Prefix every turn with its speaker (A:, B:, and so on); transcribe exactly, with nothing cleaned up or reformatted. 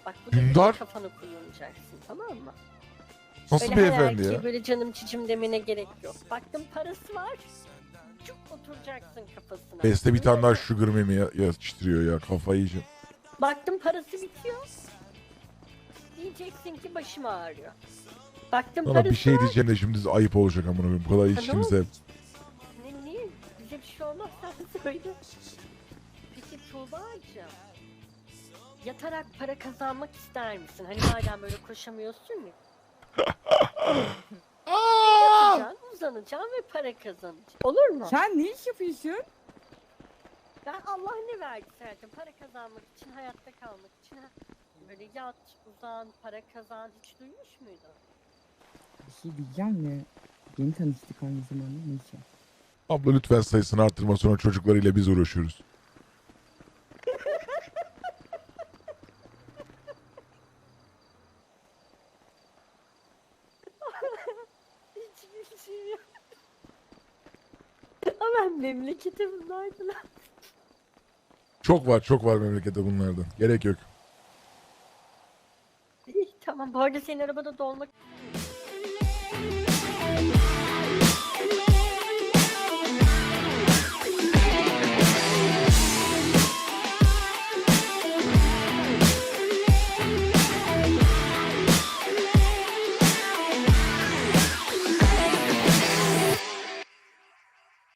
A: Bak bu da
B: Dündar?
A: bir kafanı kullanacaksın, tamam mı?
B: Nasıl
A: Öyle her
B: beyefendi
A: erkeğe
B: ya?
A: böyle canım cicim demene gerek yok. Baktım parası var. Cuk oturacaksın kafasına.
B: Beste bir tane
A: Öyle
B: daha
A: mi?
B: sugar memi ya- yetiştiriyor ya, kafayı yiyeceğim.
A: Baktım parası bitiyor. Diyeceksin ki başım ağrıyor. Baktım
B: Sana
A: parası
B: bir şey
A: var.
B: diyeceğim de şimdi ayıp olacak amına koyayım. Bu kadar
A: ne
B: içtiğimizde.
A: Ne, niye? Bize bir şey olmaz, sen söyle. Peki Tuğba'cığım. Yatarak para kazanmak ister misin? Hani madem böyle koşamıyorsun ya. Yatacaksın, uzanacaksın ve para kazanacaksın. Olur mu?
C: Sen ne iş yapıyorsun?
A: Ben Allah ne verdi zaten para kazanmak için, hayatta kalmak için. Ha, böyle yat, uzan, para kazan hiç duymuş muydun?
C: Bir şey diyeceğim de yeni tanıştık aynı zamanda neyse.
B: Abla lütfen sayısını arttırma, sonra çocuklarıyla biz uğraşıyoruz.
A: Hiç gülüşüm yok. Ama ben memleketimdeydim.
B: Çok var çok var memlekette bunlardan. Gerek yok.
A: İyi tamam, bu arada senin arabada dolmak